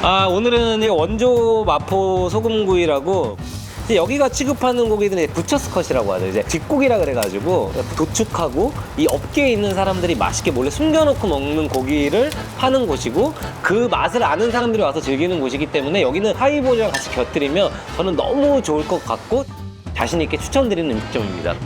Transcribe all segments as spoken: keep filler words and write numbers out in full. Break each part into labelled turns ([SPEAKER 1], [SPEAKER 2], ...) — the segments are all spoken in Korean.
[SPEAKER 1] 아, 오늘은 이 원조 마포 소금구이라고 이제 여기가 취급하는 고기들은 부처스 컷이라고 하죠. 이제 뒷고기라 그래가지고 도축하고 이 업계에 있는 사람들이 맛있게 몰래 숨겨놓고 먹는 고기를 파는 곳이고 그 맛을 아는 사람들이 와서 즐기는 곳이기 때문에 여기는 하이볼이랑 같이 곁들이면 저는 너무 좋을 것 같고 자신 있게 추천드리는 음식점입니다.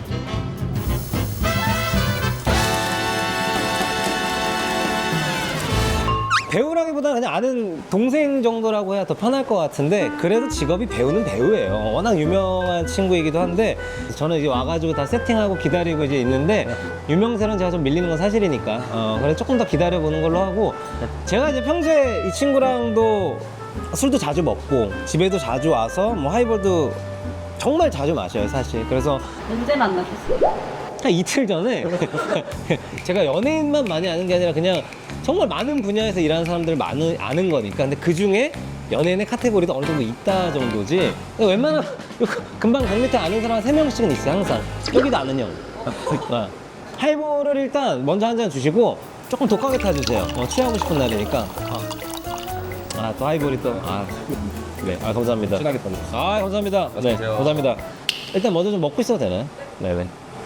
[SPEAKER 1] 배우라기보다는 그냥 아는 동생 정도라고 해야 더 편할 것 같은데 그래도 직업이 배우는 배우예요. 워낙 유명한 친구이기도 한데 저는 이제 와가지고 다 세팅하고 기다리고 이제 있는데 유명세는 제가 좀 밀리는 건 사실이니까 어, 그래 조금 더 기다려보는 걸로 하고 제가 이제 평소에 이 친구랑도 술도 자주 먹고 집에도 자주 와서 뭐 하이볼도 정말 자주 마셔요 사실. 그래서
[SPEAKER 2] 언제 만나셨어요?
[SPEAKER 1] 한 이틀 전에 제가 연예인만 많이 아는 게 아니라 그냥 정말 많은 분야에서 일하는 사람들을 많이 아는 거니까. 근데 그 중에 연예인의 카테고리도 어느 정도 있다 정도지. 웬만하면 금방 백 미터 아는 사람 한 세 명씩은 있어요 항상. 여기도 아는 형. 하이볼을 일단 먼저 한 잔 주시고 조금 독하게 타주세요. 어, 취하고 싶은 날이니까. 아, 또 하이볼이 또. 아, 네, 아 감사합니다.
[SPEAKER 3] 친하게 던졌어.
[SPEAKER 1] 아, 감사합니다. 네, 감사합니다. 일단 먼저 좀 먹고 있어도 되나요? 네네.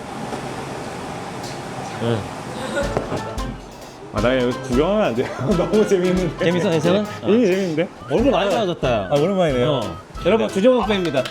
[SPEAKER 1] 응.
[SPEAKER 3] 아, 나 여기 구경하면 안 돼요. 너무 재밌는데.
[SPEAKER 1] 재밌어, 괜찮아?
[SPEAKER 3] 네. 이미 재밌는데?
[SPEAKER 1] 얼굴 많이 좋아졌다. 야.
[SPEAKER 3] 아, 오랜만이네요.
[SPEAKER 1] 어. 여러분, 주정욱 팬입니다.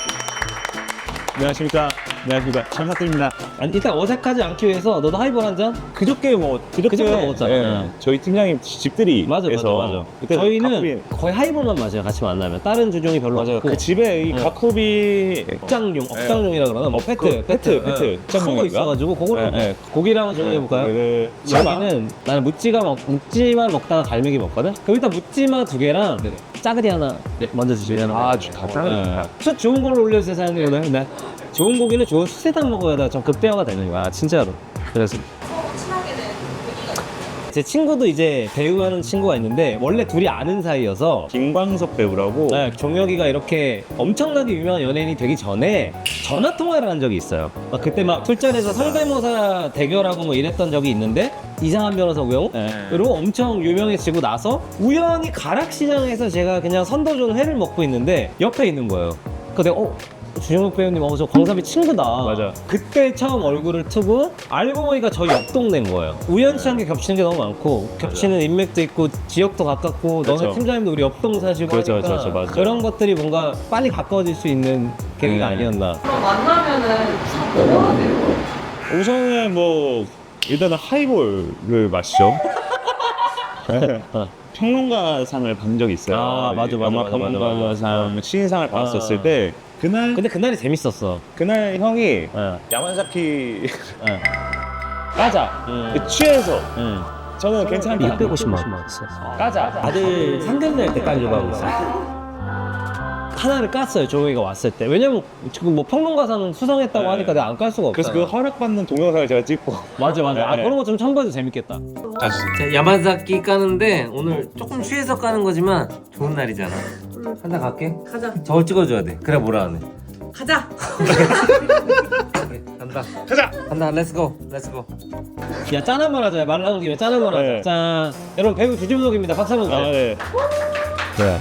[SPEAKER 3] 안녕하십니까. 안녕하십니까. 잘 부탁드립니다.
[SPEAKER 1] 아니, 일단 어색하지 않기 위해서 너도 하이볼 한 잔?
[SPEAKER 3] 그저께 뭐, 그저께
[SPEAKER 1] 그저께 먹었잖아.
[SPEAKER 3] 예,
[SPEAKER 1] 응.
[SPEAKER 3] 저희 팀장님 집들이.
[SPEAKER 1] 맞아, 맞아, 맞아.
[SPEAKER 3] 그때
[SPEAKER 1] 저희는
[SPEAKER 3] 가쿠비,
[SPEAKER 1] 거의 하이볼만 마셔요, 같이 만나면. 다른 주종이 별로
[SPEAKER 3] 맞아요.
[SPEAKER 1] 없고.
[SPEAKER 3] 그 집에 이
[SPEAKER 1] 응.
[SPEAKER 3] 가쿠비.
[SPEAKER 1] 억장용, 억장용이라 그러나? 뭐, 페트,
[SPEAKER 3] 그 페트, 페트.
[SPEAKER 1] 큰 거
[SPEAKER 3] 억장용인가?
[SPEAKER 1] 있어가지고, 그거를
[SPEAKER 3] 네, 네.
[SPEAKER 1] 고기랑 한번 정해볼까요?
[SPEAKER 3] 그,
[SPEAKER 1] 여기는 나는 묵지가 먹, 묵지만 먹다가 갈매기 먹거든? 그럼 일단 묵지마 두 개랑 짜글이 하나 먼저 주시면
[SPEAKER 3] 아, 좋다. 짱이다.
[SPEAKER 1] 숯 좋은 걸로 올려주세요 사장님. 오늘 네. 좋은 고기는 좋은 숯에다 먹어야 좀 극대화가 되는 거야 진짜로. 그래서
[SPEAKER 2] 친하게 된 계기가
[SPEAKER 1] 제 친구도 이제 배우하는 친구가 있는데 원래 둘이 아는 사이여서
[SPEAKER 3] 김광석 배우라고.
[SPEAKER 1] 네, 종혁이가 이렇게 엄청나게 유명한 연예인이 되기 전에 전화 통화를 한 적이 있어요. 막 그때 막 술자리에서 성대모사 대결하고 뭐 이랬던 적이 있는데 이상한 변호사 우영우?
[SPEAKER 3] 네.
[SPEAKER 1] 그리고 엄청 유명해지고 나서 우연히 가락시장에서 제가 그냥 선도전 회를 먹고 있는데 옆에 있는 거예요. 그래서 내가 어? 주정욱 배우님, 어, 저 광섭이 친구다.
[SPEAKER 3] 맞아.
[SPEAKER 1] 그때 처음 얼굴을 트고 알고 보니까 저희 옆 동네인 거예요. 우연치 않게 겹치는 게 너무 많고 겹치는 인맥도 있고 지역도 가깝고
[SPEAKER 3] 그렇죠.
[SPEAKER 1] 너네 팀장님도 우리 옆동 사시고
[SPEAKER 3] 그렇죠,
[SPEAKER 1] 하니까
[SPEAKER 3] 그렇죠, 맞아요.
[SPEAKER 1] 그런 것들이 뭔가 빨리 가까워질 수 있는 계기가
[SPEAKER 3] 네.
[SPEAKER 1] 아니었나.
[SPEAKER 2] 그럼 만나면은 참 뭐가 돼요?
[SPEAKER 3] 우선은 뭐, 일단은 하이볼을 마시죠.
[SPEAKER 1] 어.
[SPEAKER 3] 평론가상을 받은 적이 있어요.
[SPEAKER 1] 아, 맞아, 맞아,
[SPEAKER 3] 영화
[SPEAKER 1] 맞아, 맞아,
[SPEAKER 3] 평론가상 신인상을 받았었을
[SPEAKER 1] 아.
[SPEAKER 3] 때 그날
[SPEAKER 1] 근데 그날이 재밌었어.
[SPEAKER 3] 그날 형이
[SPEAKER 1] 어.
[SPEAKER 3] 야만사키
[SPEAKER 1] 어.
[SPEAKER 3] 까자
[SPEAKER 1] 음.
[SPEAKER 3] 취해서
[SPEAKER 1] 응.
[SPEAKER 3] 저는 괜찮다.
[SPEAKER 1] 육백오십만 원.
[SPEAKER 3] 까자.
[SPEAKER 1] 아들 상견례 때 깔려고 하고 있어. 하나를 깠어요, 조용이가 왔을 때. 왜냐면 지금 뭐 평론가상 수상했다고
[SPEAKER 3] 네.
[SPEAKER 1] 하니까 내가 안 깔 수가 없어.
[SPEAKER 3] 그래서 그 허락받는 동영상을 제가 찍고.
[SPEAKER 1] 맞아, 맞아. 아,
[SPEAKER 3] 네.
[SPEAKER 1] 그런 거 좀 첨부해도 재밌겠다.
[SPEAKER 3] 자,
[SPEAKER 1] 자, 야마자키 까는데 오늘 조금 취해서 까는 거지만 좋은 날이잖아. 한 잔 갈게.
[SPEAKER 2] 가자.
[SPEAKER 1] 저걸 찍어줘야 돼. 그래 뭐라 하네.
[SPEAKER 2] 가자.
[SPEAKER 1] 오케이, 간다.
[SPEAKER 3] 가자.
[SPEAKER 1] 간다. 렛츠고. 렛츠고. 야, 짠 한 번 하자. 말 나온 김에 짠 한 번 하자.
[SPEAKER 3] 네.
[SPEAKER 1] 짠. 여러분 배우 주진석입니다. 박수 한번
[SPEAKER 3] 아,
[SPEAKER 1] 주세요.
[SPEAKER 3] 네.
[SPEAKER 1] 네.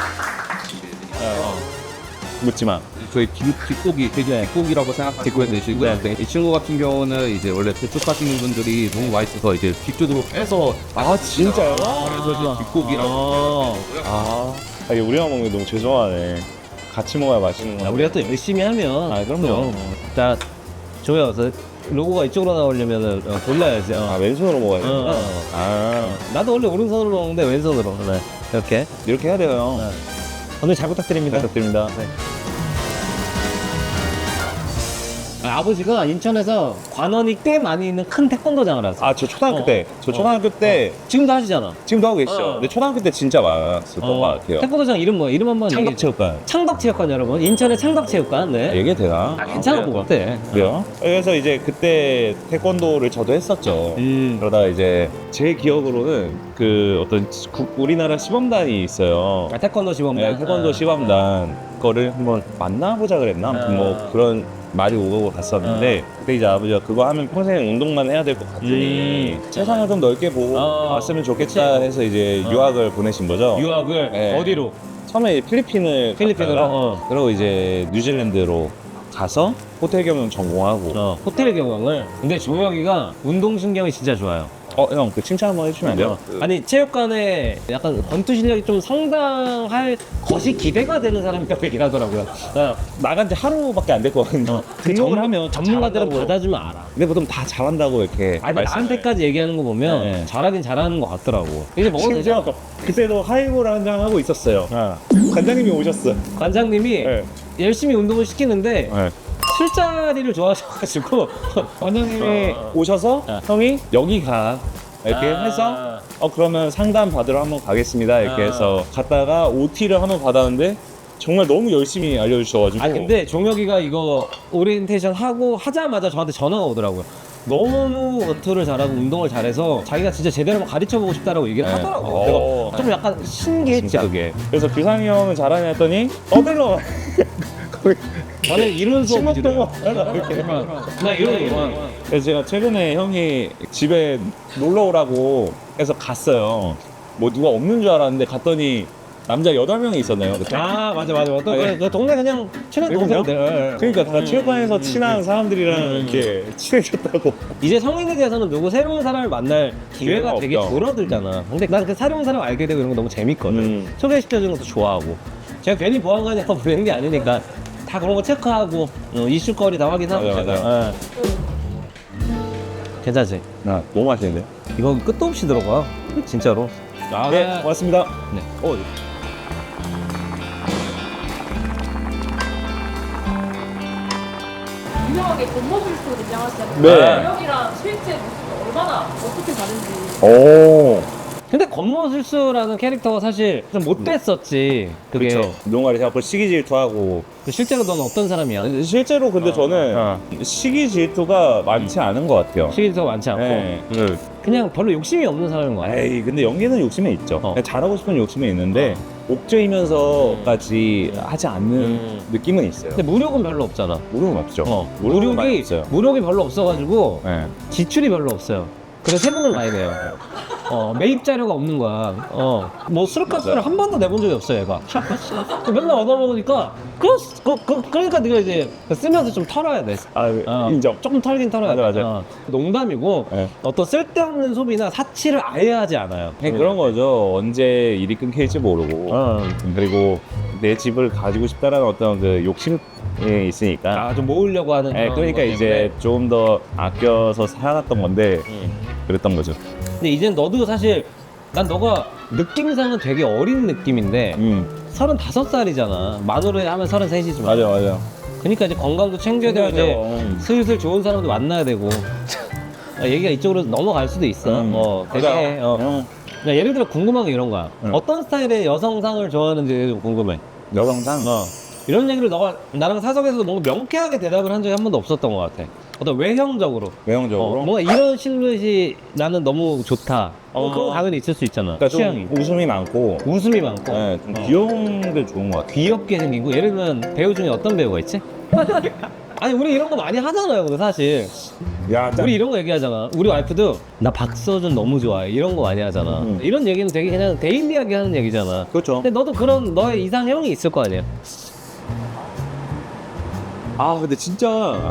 [SPEAKER 3] 묻지마.
[SPEAKER 4] 저희 뒷, 뒷고기, 돼지 뒷고기라고 생각하시고 드시고요.
[SPEAKER 3] 네.
[SPEAKER 4] 이 친구 같은 경우는 이제 원래 도축하시는 분들이 너무 맛있어서 이제 뒷조으로 빼서
[SPEAKER 3] 아, 진짜요?
[SPEAKER 4] 그래서 이제 뒷고기라고.
[SPEAKER 1] 어.
[SPEAKER 3] 아, 아 이게 우리가 먹는 게 너무 죄송하네. 같이 먹어야 맛있는
[SPEAKER 1] 야,
[SPEAKER 3] 거.
[SPEAKER 1] 우리가 또 열심히 하면.
[SPEAKER 3] 아, 그럼요.
[SPEAKER 1] 자, 조여. 로고가 이쪽으로 나오려면 어, 돌려야지. 어.
[SPEAKER 3] 아, 왼손으로 먹어야 돼.
[SPEAKER 1] 어, 어, 어.
[SPEAKER 3] 아,
[SPEAKER 1] 나도 원래 오른손으로 먹는데 왼손으로. 네. 이렇게.
[SPEAKER 3] 이렇게 해야 돼요.
[SPEAKER 1] 네. 오늘 잘 부탁드립니다.
[SPEAKER 3] 부탁드립니다.
[SPEAKER 1] 네. 아, 아버지가 인천에서 관원이 꽤 많이 있는 큰 태권도장을 하세요.
[SPEAKER 3] 아, 저 초등학교
[SPEAKER 1] 어.
[SPEAKER 3] 때, 저 초등학교 때
[SPEAKER 1] 지금도 하시잖아.
[SPEAKER 3] 지금도 하고 계시죠?
[SPEAKER 1] 어.
[SPEAKER 3] 근데 초등학교 때 진짜 많았을 것 같아요.
[SPEAKER 1] 태권도장 이름 뭐야? 이름 한번 얘기해.
[SPEAKER 3] 창덕체육관.
[SPEAKER 1] 창덕체육관 여러분. 인천의 창덕체육관. 네.
[SPEAKER 3] 얘기 되나?
[SPEAKER 1] 아, 괜찮아 뭐 어때?
[SPEAKER 3] 그래요? 그래서 이제 그때 태권도를 저도 했었죠.
[SPEAKER 1] 음.
[SPEAKER 3] 그러다가 이제 제 기억으로는 그 어떤 국- 우리나라 시범단이 있어요.
[SPEAKER 1] 아, 태권도 시범.
[SPEAKER 3] 네, 태권도 시범단 거를 한번 만나보자 그랬나? 아무튼 뭐
[SPEAKER 1] 아.
[SPEAKER 3] 그런 말이 오고 갔었는데 그때 이제 아버지가 그거 하면 평생 운동만 해야 될 것 같으니
[SPEAKER 1] 음.
[SPEAKER 3] 세상을 좀 넓게 보고
[SPEAKER 1] 어.
[SPEAKER 3] 왔으면 좋겠다
[SPEAKER 1] 그치.
[SPEAKER 3] 해서 이제
[SPEAKER 1] 어.
[SPEAKER 3] 유학을 보내신 거죠.
[SPEAKER 1] 유학을
[SPEAKER 3] 네.
[SPEAKER 1] 어디로?
[SPEAKER 3] 처음에 필리핀을
[SPEAKER 1] 필리핀으로?
[SPEAKER 3] 갔다가
[SPEAKER 1] 어.
[SPEAKER 3] 그리고 이제 뉴질랜드로 가서 호텔 경영 전공하고
[SPEAKER 1] 어, 호텔 경영을. 근데 종혁이가 운동신경이 진짜 좋아요.
[SPEAKER 3] 어 형 그 칭찬 한번 해주시면 안 돼요? 그-
[SPEAKER 1] 아니 체육관에 약간 권투 실력이 좀 상당할 것이 기대가 되는 사람이라고 얘기를 하더라고요. 어,
[SPEAKER 3] 나간 지 하루밖에 안 됐거든요. 등록을 하면
[SPEAKER 1] 전문가들은
[SPEAKER 3] 잘한다고.
[SPEAKER 1] 받아주면 알아.
[SPEAKER 3] 근데 보통 다 잘한다고 이렇게
[SPEAKER 1] 아니
[SPEAKER 3] 말씀-
[SPEAKER 1] 나한테까지 얘기하는 거 보면
[SPEAKER 3] 네.
[SPEAKER 1] 잘하긴 잘하는 것 같더라고. 이제 먹어도 되죠?
[SPEAKER 3] 심지어 그때도 하이볼 한잔 하고 있었어요.
[SPEAKER 1] 어.
[SPEAKER 3] 관장님이 오셨어.
[SPEAKER 1] 관장님이
[SPEAKER 3] 네.
[SPEAKER 1] 열심히 운동을 시키는데
[SPEAKER 3] 네.
[SPEAKER 1] 술자리를 좋아하셔가지고
[SPEAKER 3] 관장님이 오셔서
[SPEAKER 1] 어.
[SPEAKER 3] 형이 여기 가 이렇게
[SPEAKER 1] 아.
[SPEAKER 3] 해서 어 그러면 상담 받으러 한번 가겠습니다 이렇게
[SPEAKER 1] 아.
[SPEAKER 3] 해서 갔다가 오티를 한번 받았는데 정말 너무 열심히 알려주셔가지고
[SPEAKER 1] 아 근데 종혁이가 이거 오리엔테이션 하고 하자마자 저한테 전화가 오더라고요. 너무 원투를 잘하고 운동을 잘해서 자기가 진짜 제대로 한번 가르쳐보고 싶다라고 얘기를
[SPEAKER 3] 네.
[SPEAKER 1] 하더라고요.
[SPEAKER 3] 어.
[SPEAKER 1] 내가 좀 약간 신기했지
[SPEAKER 3] 진짜.
[SPEAKER 1] 그게.
[SPEAKER 3] 그래서 규상이 형은 잘하냐 했더니 떠들러 거기
[SPEAKER 1] 저는 이런 수업
[SPEAKER 3] 신목동어
[SPEAKER 1] 이렇게 나 이런 거
[SPEAKER 3] 그래서 제가 최근에 형이 집에 놀러 오라고 해서 갔어요. 뭐 누가 없는 줄 알았는데 갔더니 남자 여덟 명이 있었네요. 그때.
[SPEAKER 1] 아 맞아 맞아 맞아. 그,
[SPEAKER 3] 네.
[SPEAKER 1] 그 동네 그냥 친한
[SPEAKER 3] 그럼요?
[SPEAKER 1] 동생들.
[SPEAKER 3] 그러니까 다
[SPEAKER 1] 음.
[SPEAKER 3] 체육관에서 친한 사람들이랑
[SPEAKER 1] 음.
[SPEAKER 3] 이렇게 친해졌다고.
[SPEAKER 1] 이제 성인에 대해서는 누구 새로운 사람을 만날 기회가
[SPEAKER 3] 기회가
[SPEAKER 1] 되게
[SPEAKER 3] 없죠.
[SPEAKER 1] 줄어들잖아. 근데 난 그 새로운 사람 알게 되고 이런 거 너무 재밌거든.
[SPEAKER 3] 음.
[SPEAKER 1] 소개시켜주는 것도 좋아하고. 제가 괜히 보안관이라고 부르는 게 아니니까 다 그런 거 체크하고 어, 이슈거리 다 확인하고.
[SPEAKER 3] 맞아,
[SPEAKER 1] 제가. 예. 괜찮지?
[SPEAKER 3] 아, 너무 맛있는데요?
[SPEAKER 1] 이거 끝도 없이 들어가. 진짜로. 아,
[SPEAKER 3] 네, 고맙습니다.
[SPEAKER 1] 네.
[SPEAKER 3] 어,
[SPEAKER 2] 유명하게 겉모술수로 등장하시잖아요.
[SPEAKER 3] 네.
[SPEAKER 2] 여기랑 실제 모습이 얼마나 어떻게 다른지.
[SPEAKER 3] 오.
[SPEAKER 1] 근데 권모술수라는 캐릭터가 사실 좀 못됐었지. 그게.
[SPEAKER 3] 그렇죠. 농가를 해갖고 시기 질투하고.
[SPEAKER 1] 그 실제로 넌 어떤 사람이야?
[SPEAKER 3] 실제로 근데 저는
[SPEAKER 1] 어.
[SPEAKER 3] 시기 질투가 많지 않은 것 같아요.
[SPEAKER 1] 시기가 많지 않고.
[SPEAKER 3] 네. 그,
[SPEAKER 1] 그냥 별로 욕심이 없는 사람인 거야.
[SPEAKER 3] 에이, 근데 연기는 욕심이 있죠.
[SPEAKER 1] 어.
[SPEAKER 3] 그냥 잘하고 싶은 욕심이 있는데 옥죄이면서까지 하지 않는
[SPEAKER 1] 음.
[SPEAKER 3] 느낌은 있어요.
[SPEAKER 1] 근데 무력은 별로 없잖아.
[SPEAKER 3] 무력은 없죠.
[SPEAKER 1] 어.
[SPEAKER 3] 무력은 많이
[SPEAKER 1] 무력이
[SPEAKER 3] 없어요.
[SPEAKER 1] 무력이 별로 없어가지고
[SPEAKER 3] 네.
[SPEAKER 1] 지출이 별로 없어요. 그래서 세금을 많이 내요. 어, 매입 자료가 없는 거야. 어, 뭐 술값을 한 번도 내본 적이 없어, 얘가. 맨날 얻어먹으니까, 그, 그, 그, 그러니까 네가 이제 쓰면서 좀 털어야 돼.
[SPEAKER 3] 아,
[SPEAKER 1] 어,
[SPEAKER 3] 인정.
[SPEAKER 1] 조금 털긴 털어야 돼.
[SPEAKER 3] 맞아, 맞아.
[SPEAKER 1] 어, 농담이고,
[SPEAKER 3] 네.
[SPEAKER 1] 어떤 쓸데없는 소비나 사치를 아예 하지 않아요.
[SPEAKER 3] 그냥 그런 거죠. 언제 일이 끊길지 모르고.
[SPEAKER 1] 어.
[SPEAKER 3] 그리고 내 집을 가지고 싶다라는 어떤 그 욕심이 있으니까.
[SPEAKER 1] 아, 좀 모으려고 하는.
[SPEAKER 3] 네,
[SPEAKER 1] 그런
[SPEAKER 3] 그러니까
[SPEAKER 1] 것
[SPEAKER 3] 이제 좀 더 아껴서 살았던 건데
[SPEAKER 1] 때문에. 음.
[SPEAKER 3] 그랬던 거죠.
[SPEAKER 1] 근데 이젠 너도 사실, 난 너가 느낌상은 되게 어린 느낌인데,
[SPEAKER 3] 음,
[SPEAKER 1] 서른다섯 살이잖아. 만으로 하면 서른셋이지만.
[SPEAKER 3] 맞아, 맞아.
[SPEAKER 1] 그러니까 이제 건강도 챙겨야 되고 이제
[SPEAKER 3] 음.
[SPEAKER 1] 슬슬 좋은 사람도 만나야 되고 아, 얘기가 이쪽으로 넘어갈 수도 있어.
[SPEAKER 3] 음.
[SPEAKER 1] 뭐 되게
[SPEAKER 3] 맞아.
[SPEAKER 1] 어.
[SPEAKER 3] 음.
[SPEAKER 1] 그냥 예를 들어 궁금한 게 이런 거야.
[SPEAKER 3] 음.
[SPEAKER 1] 어떤 스타일의 여성상을 좋아하는지 좀 궁금해.
[SPEAKER 3] 여성상.
[SPEAKER 1] 어. 이런 얘기를 너가 나랑 사석에서 뭔가 명쾌하게 대답을 한 적이 한 번도 없었던 것 같아. 어떤 외형적으로.
[SPEAKER 3] 외형적으로.
[SPEAKER 1] 어, 뭔가 이런 실루엣이 나는 너무 좋다. 어,
[SPEAKER 3] 어.
[SPEAKER 1] 그런 거 당연히 있을 수 있잖아.
[SPEAKER 3] 그러니까
[SPEAKER 1] 취향이.
[SPEAKER 3] 좀 웃음이 많고,
[SPEAKER 1] 웃음이 많고.
[SPEAKER 3] 네, 좀
[SPEAKER 1] 어.
[SPEAKER 3] 귀여운 게 좋은 것 같아요.
[SPEAKER 1] 귀엽게 생긴 거. 예를 들면 배우 중에 어떤 배우가 있지? 아니 우리 이런 거 많이 하잖아요. 근데 사실
[SPEAKER 3] 야,
[SPEAKER 1] 우리 이런 거 얘기하잖아. 우리 와이프도 나 박서준 너무 좋아해. 이런 거 많이 하잖아.
[SPEAKER 3] 음.
[SPEAKER 1] 이런 얘기는 되게 그냥 데일리하게 하는 얘기잖아.
[SPEAKER 3] 그렇죠.
[SPEAKER 1] 근데 너도 그런 너의 이상형이 있을 거 아니야.
[SPEAKER 3] 아, 근데 진짜.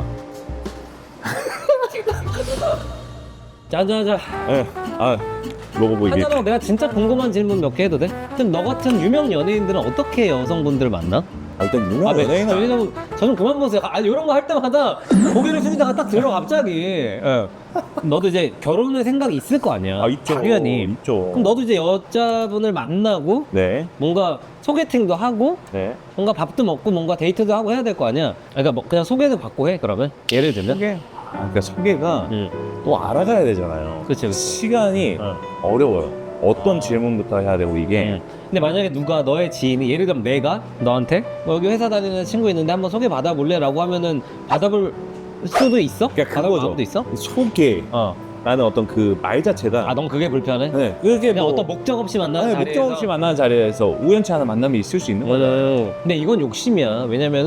[SPEAKER 1] 자자자.
[SPEAKER 3] 예. 아, 로고 보이게.
[SPEAKER 1] 하자라고 내가 진짜 궁금한 질문 몇 개 해도 돼? 그럼 너 같은 유명 연예인들은 어떻게 여성분들 만나?
[SPEAKER 3] 아, 일단
[SPEAKER 1] 아,
[SPEAKER 3] 유명
[SPEAKER 1] 네.
[SPEAKER 3] 연예인은
[SPEAKER 1] 왜냐면 저 좀 그만 보세요. 아, 이런 거 할 때마다 고개를 숙이다가 딱 들어 갑자기. 예. 너도 이제 결혼할 생각이 있을 거 아니야.
[SPEAKER 3] 아, 있죠.
[SPEAKER 1] 당연히.
[SPEAKER 3] 있죠.
[SPEAKER 1] 그럼 너도 이제 여자분을 만나고
[SPEAKER 3] 네.
[SPEAKER 1] 뭔가 소개팅도 하고
[SPEAKER 3] 네.
[SPEAKER 1] 뭔가 밥도 먹고 뭔가 데이트도 하고 해야 될 거 아니야. 그러니까 뭐 그냥 소개도 받고 해 그러면 예를 들면.
[SPEAKER 3] 소개. 아, 그러니까 소개가
[SPEAKER 1] 응.
[SPEAKER 3] 또 알아가야 되잖아요.
[SPEAKER 1] 그치, 그치.
[SPEAKER 3] 시간이
[SPEAKER 1] 어.
[SPEAKER 3] 어려워요. 어떤 질문부터 해야 되고 이게.
[SPEAKER 1] 응. 근데 만약에 누가 너의 지인이 예를 들면 내가 너한테 뭐 여기 회사 다니는 친구 있는데 한번 소개 받아볼래라고 하면은 받아볼 수도 있어?
[SPEAKER 3] 그러니까
[SPEAKER 1] 받아볼
[SPEAKER 3] 그거죠.
[SPEAKER 1] 마음도 있어?
[SPEAKER 3] 소개.
[SPEAKER 1] 어.
[SPEAKER 3] 라는 어떤 그 말 자체가.
[SPEAKER 1] 아, 넌 그게 불편해?
[SPEAKER 3] 네. 그게
[SPEAKER 1] 그냥
[SPEAKER 3] 뭐
[SPEAKER 1] 어떤 목적 없이 만나는
[SPEAKER 3] 아니,
[SPEAKER 1] 자리에서
[SPEAKER 3] 목적 없이 만나는 자리에서 우연치 않은 만남이 있을 수 있는 거죠.
[SPEAKER 1] 맞아요. 근데 이건 욕심이야. 왜냐면은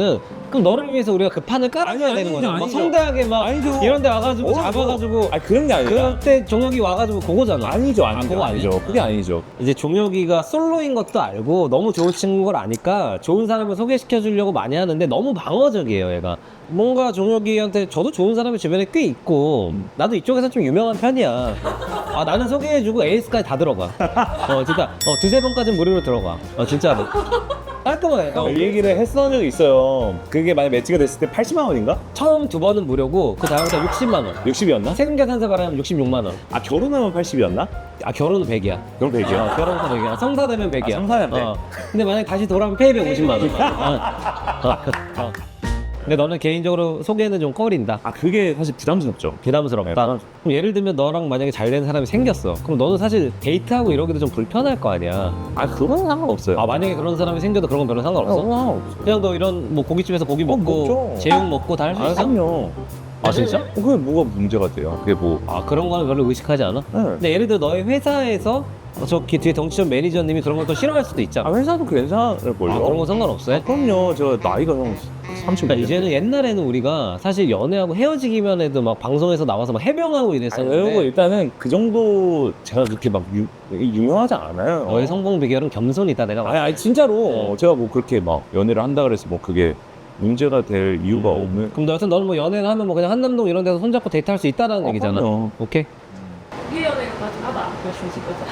[SPEAKER 1] 그럼 너를 위해서 우리가 그 판을 깔아야
[SPEAKER 3] 아니,
[SPEAKER 1] 되는
[SPEAKER 3] 아니죠,
[SPEAKER 1] 거잖아. 막
[SPEAKER 3] 아니죠.
[SPEAKER 1] 성대하게 막
[SPEAKER 3] 아니죠.
[SPEAKER 1] 이런 데 와가지고
[SPEAKER 3] 어,
[SPEAKER 1] 잡아가지고
[SPEAKER 3] 아 그런 게 아니라.
[SPEAKER 1] 그럴 때 종혁이 와가지고 그거잖아.
[SPEAKER 3] 아니죠, 아니죠,
[SPEAKER 1] 그거
[SPEAKER 3] 아니죠.
[SPEAKER 1] 아니야?
[SPEAKER 3] 그게 아니죠.
[SPEAKER 1] 이제 종혁이가 솔로인 것도 알고 너무 좋은 친구인 걸 아니까 좋은 사람을 소개시켜 주려고 많이 하는데 너무 방어적이에요, 얘가. 뭔가 종혁이한테 저도 좋은 사람이 주변에 꽤 있고 나도 이쪽에서 좀 유명한 편이야. 아 나는 소개해주고 에이스까지 다 들어가. 어 진짜 어 두세 번까지는 무료로 들어가. 어 진짜로. 깔끔해. 어,
[SPEAKER 3] 이 얘기를 했던 적이 있어요. 그게 만약 매치가 됐을 때 팔십만 원인가?
[SPEAKER 1] 처음 두 번은 무료고 그 다음부터 육십만 원.
[SPEAKER 3] 육십이었나?
[SPEAKER 1] 세금 계산서 발하면 육십육만 원.
[SPEAKER 3] 아 결혼하면 팔십이었나?
[SPEAKER 1] 아 결혼은 백이야.
[SPEAKER 3] 그럼 백이야.
[SPEAKER 1] 어, 결혼은 백이야. 성사되면 백이야.
[SPEAKER 3] 아, 성사되면 백.
[SPEAKER 1] 어. 근데 만약 다시 돌아오면 페이백 오십만 원. 어. 어. 어. 근데 너는 개인적으로 소개는 좀 꺼린다.
[SPEAKER 3] 아 그게 사실 부담스럽죠.
[SPEAKER 1] 부담스럽다.
[SPEAKER 3] 네, 부담-
[SPEAKER 1] 그럼 예를 들면 너랑 만약에 잘 되는 사람이 생겼어. 그럼 너는 사실 데이트하고 이러기도 좀 불편할 거 아니야.
[SPEAKER 3] 아 그건 상관없어요.
[SPEAKER 1] 아 만약에 그런 사람이 생겨도 그런 건 별로 상관없어?
[SPEAKER 3] 상관없어.
[SPEAKER 1] 그냥 너 이런 뭐 고깃집에서 고기 먹고
[SPEAKER 3] 먹죠.
[SPEAKER 1] 제육 먹고 다 할 수
[SPEAKER 3] 아
[SPEAKER 1] 있어?
[SPEAKER 3] 그럼요.
[SPEAKER 1] 아 진짜?
[SPEAKER 3] 어, 그게 뭐가 문제가 돼요? 그게 뭐?
[SPEAKER 1] 아 그런 거는 별로 의식하지 않아?
[SPEAKER 3] 네.
[SPEAKER 1] 근데 예를 들어 너의 회사에서 어, 저 뒤- 뒤에 덩치전 매니저님이 그런 걸 또 싫어할 수도 있잖아.
[SPEAKER 3] 아 회사도 괜찮을걸요?
[SPEAKER 1] 아, 그런 거 상관없어요?
[SPEAKER 3] 아, 그럼요. 제가 나이가 형 삼십.
[SPEAKER 1] 그러니까 이제는 옛날에는 우리가 사실 연애하고 헤어지기만 해도 막 방송에서 나와서 막 해명하고
[SPEAKER 3] 아니,
[SPEAKER 1] 이랬었는데
[SPEAKER 3] 그리고 일단은 그 정도 제가 그렇게 막 유, 유명하지 않아요.
[SPEAKER 1] 너의 성공 비결은 겸손이다 내가
[SPEAKER 3] 아니, 아니 진짜로 제가 뭐 그렇게 막 연애를 한다 그래서 뭐 그게 문제가 될 이유가 없는.
[SPEAKER 1] 그럼 너 여튼 너는 뭐 연애를 하면 뭐 그냥 한남동 이런 데서 손잡고 데이트할 수 있다는
[SPEAKER 3] 어,
[SPEAKER 1] 얘기잖아.
[SPEAKER 3] 그럼요.
[SPEAKER 1] 오케이.
[SPEAKER 2] 우리 연애까지 하다. 그럴 수 있겠다.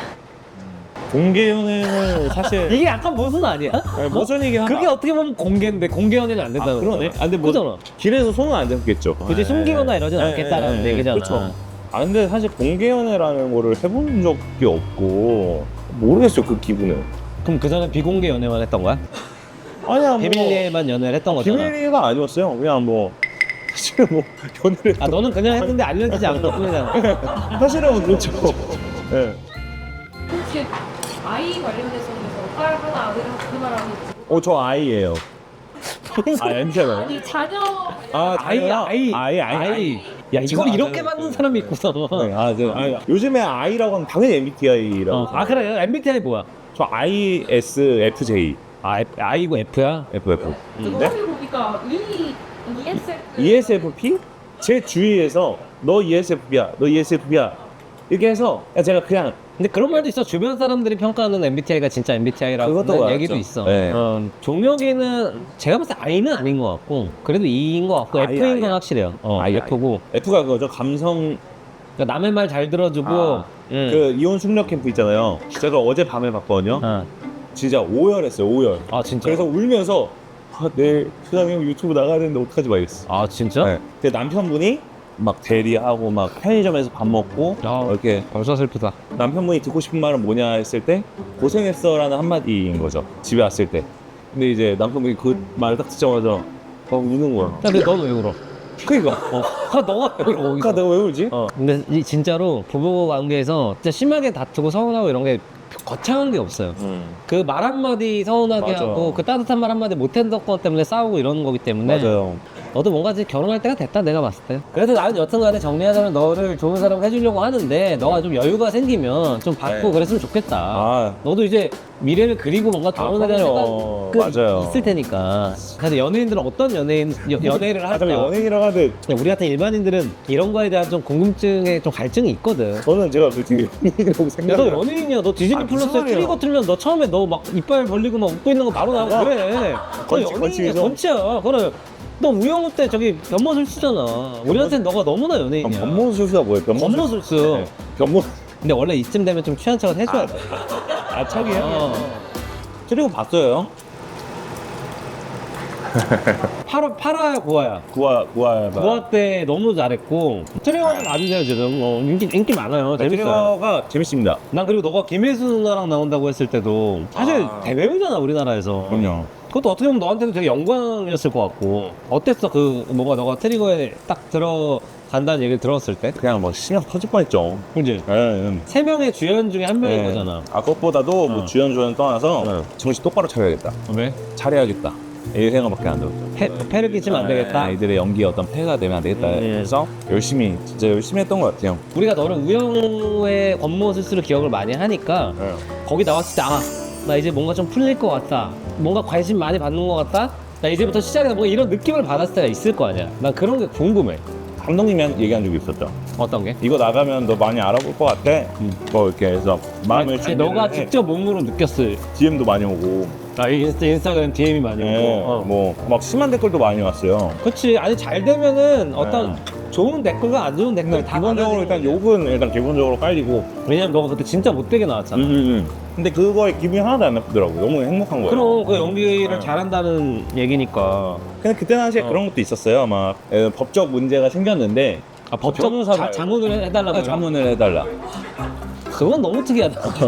[SPEAKER 3] 공개 연애는 사실
[SPEAKER 1] 이게 약간 모순 아니야?
[SPEAKER 3] 아니, 무슨 얘기 하나.
[SPEAKER 1] 그게 어떻게 보면 공개인데 공개 연애는 안 된다는
[SPEAKER 3] 아, 그러네.
[SPEAKER 1] 거잖아. 아, 근데 뭐
[SPEAKER 3] 그잖아. 길에서 손은 안 잡겠죠.
[SPEAKER 1] 굳이 숨기거나 이러진
[SPEAKER 3] 네,
[SPEAKER 1] 않겠다라는
[SPEAKER 3] 네, 네,
[SPEAKER 1] 얘기잖아.
[SPEAKER 3] 그렇죠. 아 근데 사실 공개 연애라는 거를 해본 적이 없고 모르겠어요 그 기분은.
[SPEAKER 1] 그럼 그 전에 비공개 연애만 했던 거야?
[SPEAKER 3] 아니야 뭐
[SPEAKER 1] 비밀리에만 연애를 했던 거잖아.
[SPEAKER 3] 비밀리가 아니었어요. 그냥 뭐 사실은 뭐 연애를
[SPEAKER 1] 아 너는 그냥 했는데 알려지지 않고 뿐이잖아.
[SPEAKER 3] 사실은 뭐 그렇죠. 예.
[SPEAKER 2] 혹시 아이 관련해서 딸 하나 아들 하나 그 말하고 있지.
[SPEAKER 3] 어저 아이예요. 아 엠씨가.
[SPEAKER 2] 아니 자녀.
[SPEAKER 3] 아
[SPEAKER 1] 아이
[SPEAKER 3] 자녀요?
[SPEAKER 1] 아이
[SPEAKER 3] 아이 아이 아이.
[SPEAKER 1] 야 이걸
[SPEAKER 3] 이거
[SPEAKER 1] 이렇게
[SPEAKER 3] 맞아요.
[SPEAKER 1] 받는 사람이 있구나.
[SPEAKER 3] 네, 아, 저, 아, 요즘에 아이라고 하면 당연히 엠비티아이라고.
[SPEAKER 1] 어. 아 그래 엠비티아이 뭐야?
[SPEAKER 3] 저 아이에스에프제이.
[SPEAKER 1] 아 F, I고 F야?
[SPEAKER 3] 에프에프.
[SPEAKER 2] 그거 보니까 E 이에스에프.
[SPEAKER 3] 이에스에프피? 제 주위에서 너 이에스에프피야, 너 이에스에프피야 이렇게 해서 제가 그냥
[SPEAKER 1] 근데 그런 말도 있어. 주변 사람들이 평가하는 엠비티아이가 진짜 엠비티아이라고
[SPEAKER 3] 그것도
[SPEAKER 1] 하는
[SPEAKER 3] 맞죠.
[SPEAKER 1] 얘기도 있어.
[SPEAKER 3] 네.
[SPEAKER 1] 어, 종혁이는 제가 봤을 때 I는 아닌 것 같고 그래도 E인 것 같고
[SPEAKER 3] 아이,
[SPEAKER 1] F인 건
[SPEAKER 3] 아이야.
[SPEAKER 1] 확실해요. 어,
[SPEAKER 3] 아이,
[SPEAKER 1] F고
[SPEAKER 3] F가 그거죠. 감성
[SPEAKER 1] 그러니까 남의 말 잘 들어주고
[SPEAKER 3] 아,
[SPEAKER 1] 응.
[SPEAKER 3] 그 이혼 숙녀 캠프 있잖아요. 제가 어제 밤에 봤거든요.
[SPEAKER 1] 어.
[SPEAKER 3] 진짜 오열했어요. 오열.
[SPEAKER 1] 아 진짜?
[SPEAKER 3] 그래서 울면서 아, 내일 수장이 형 유튜브 나가야 되는데 어떡하지 막 이랬어.
[SPEAKER 1] 아 진짜?
[SPEAKER 3] 네. 근데 남편분이 막 대리하고 막 편의점에서 밥 먹고
[SPEAKER 1] 아.
[SPEAKER 3] 이렇게
[SPEAKER 1] 벌써 슬프다.
[SPEAKER 3] 남편분이 듣고 싶은 말은 뭐냐 했을 때 고생했어라는 한마디인 거죠. 집에 왔을 때. 근데 이제 남편분이 그 말을 딱 듣자마자 막 우는 거야.
[SPEAKER 1] 야, 근데 넌 왜 울어?
[SPEAKER 3] 그니까
[SPEAKER 1] 어. 아, 너가 왜 울어?
[SPEAKER 3] 그니까 내가 왜 울지?
[SPEAKER 1] 어. 근데 이 진짜로 부부 관계에서 진짜 심하게 다투고 서운하고 이런 게 거창한 게 없어요.
[SPEAKER 3] 음.
[SPEAKER 1] 그 말 한마디 서운하게
[SPEAKER 3] 맞아.
[SPEAKER 1] 하고 그 따뜻한 말 한마디 못했던 것 때문에 싸우고 이러는 거기 때문에
[SPEAKER 3] 맞아요.
[SPEAKER 1] 너도 뭔가 이제 결혼할 때가 됐다 내가 봤을 때. 그래도 나는 여튼간에 정리하자면 너를 좋은 사람 해주려고 하는데 너가 좀 여유가 생기면 좀 받고
[SPEAKER 3] 네.
[SPEAKER 1] 그랬으면 좋겠다.
[SPEAKER 3] 아.
[SPEAKER 1] 너도 이제 미래를 그리고 뭔가 결혼에 대한
[SPEAKER 3] 그럼요.
[SPEAKER 1] 생각이
[SPEAKER 3] 맞아요.
[SPEAKER 1] 있을 테니까. 그래서 연예인들은 어떤 연예인 여, 연애를
[SPEAKER 3] 아,
[SPEAKER 1] 할까?
[SPEAKER 3] 근데 연예인이라고 하는데
[SPEAKER 1] 우리 같은 일반인들은 이런 거에 대한 좀 궁금증에 좀 갈증이 있거든.
[SPEAKER 3] 저는 제가 솔직히 연예인이라고
[SPEAKER 1] 야, 너
[SPEAKER 3] 생각을
[SPEAKER 1] 연예인이야. 너 디즈니
[SPEAKER 3] 아, 무슨
[SPEAKER 1] 플러스에
[SPEAKER 3] 말이야.
[SPEAKER 1] 트리거 틀면 너 처음에 너 막 이빨 벌리고 막 웃고 있는 거 바로 나오고 그래. 너
[SPEAKER 3] 건치,
[SPEAKER 1] 연예인이야.
[SPEAKER 3] 건치면서.
[SPEAKER 1] 건치야. 그래. 너 우영우 때 저기 변모술수잖아. 우리한테는 너가 너무나 연예인이야.
[SPEAKER 3] 변모술수가 뭐예요?
[SPEAKER 1] 변모술수.
[SPEAKER 3] 네. 변모
[SPEAKER 1] 근데 원래 이쯤 되면 좀 취한 척은 해줘야 돼.
[SPEAKER 3] 아 척이에요?
[SPEAKER 1] 어.
[SPEAKER 3] 그리고 봤어요.
[SPEAKER 1] 파라, 파라야, 고아야.
[SPEAKER 3] 구화 구화
[SPEAKER 1] 고아 때 너무 잘했고. 트리거는 맞으세요, 지금. 어, 인기, 인기 많아요. 재밌어요.
[SPEAKER 3] 트리거가 재밌습니다.
[SPEAKER 1] 난 그리고 너가 김혜수 누나랑 나온다고 했을 때도 사실
[SPEAKER 3] 아.
[SPEAKER 1] 대배우잖아, 우리나라에서.
[SPEAKER 3] 그럼요.
[SPEAKER 1] 그것도 어떻게 보면 너한테도 되게 영광이었을 것 같고. 어땠어? 그, 뭔가 너가 트리거에 딱 들어간다는 얘기를 들었을 때?
[SPEAKER 3] 그냥 뭐 신경 터질 뻔했죠.
[SPEAKER 1] 그지?
[SPEAKER 3] 예. 예.
[SPEAKER 1] 세 명의 주연 중에 한 명인
[SPEAKER 3] 예.
[SPEAKER 1] 거잖아.
[SPEAKER 3] 아 그것보다도 뭐
[SPEAKER 1] 어.
[SPEAKER 3] 주연 조연 떠나서
[SPEAKER 1] 어.
[SPEAKER 3] 정신 똑바로 차려야겠다.
[SPEAKER 1] 왜?
[SPEAKER 3] 잘해야겠다. 이 생각밖에 안 들었죠.
[SPEAKER 1] 패, 패를 끼치면 안 되겠다.
[SPEAKER 3] 아이들의 연기에 어떤 폐가 되면 안 되겠다.
[SPEAKER 1] 음, 예.
[SPEAKER 3] 그래서 열심히 진짜 열심히 했던 것 같아요.
[SPEAKER 1] 우리가 너를 우영우의 권모술수로 기억을 많이 하니까 거기 나왔을 때 아, 나 이제 뭔가 좀 풀릴 것 같다. 뭔가 관심 많이 받는 것 같다. 나 이제부터 시작이다 뭐 이런 느낌을 받았을 때가 있을 거 아니야. 난 그런 게 궁금해.
[SPEAKER 3] 감독님이 한- 얘기한 적이 있었죠.
[SPEAKER 1] 어떤 게?
[SPEAKER 3] 이거 나가면 너 많이 알아볼 것 같아. 뭐 이렇게 해서 마음을
[SPEAKER 1] 아니,
[SPEAKER 3] 준비를
[SPEAKER 1] 너가
[SPEAKER 3] 해.
[SPEAKER 1] 직접 몸으로 느꼈을.
[SPEAKER 3] 디엠도 많이 오고,
[SPEAKER 1] 아 인스타 인스타그램 디엠이 많이 오고.
[SPEAKER 3] 예,
[SPEAKER 1] 어.
[SPEAKER 3] 뭐막 심한 댓글도 많이 왔어요.
[SPEAKER 1] 그렇지. 아니 잘 되면은 어떤
[SPEAKER 3] 네.
[SPEAKER 1] 좋은 댓글과 안 좋은 댓글 다
[SPEAKER 3] 기본적으로 일단
[SPEAKER 1] 받아들이고.
[SPEAKER 3] 욕은 일단 기본적으로 깔리고.
[SPEAKER 1] 왜냐면 너가 그때 진짜 못되게 나왔잖아.
[SPEAKER 3] 음, 음, 음. 근데 그거에 기분이 하나도 안 나쁘더라고. 너무 행복한 거예요.
[SPEAKER 1] 그럼 그 연기를
[SPEAKER 3] 네.
[SPEAKER 1] 잘한다는 얘기니까.
[SPEAKER 3] 근데 그때 당시에
[SPEAKER 1] 어.
[SPEAKER 3] 그런 것도 있었어요. 막 에, 법적 문제가 생겼는데
[SPEAKER 1] 아 법적
[SPEAKER 3] 변호사를-
[SPEAKER 1] 자문을 해달라고.
[SPEAKER 3] 아, 자문을 해달라.
[SPEAKER 1] 그건 너무 특이하다.
[SPEAKER 2] 아,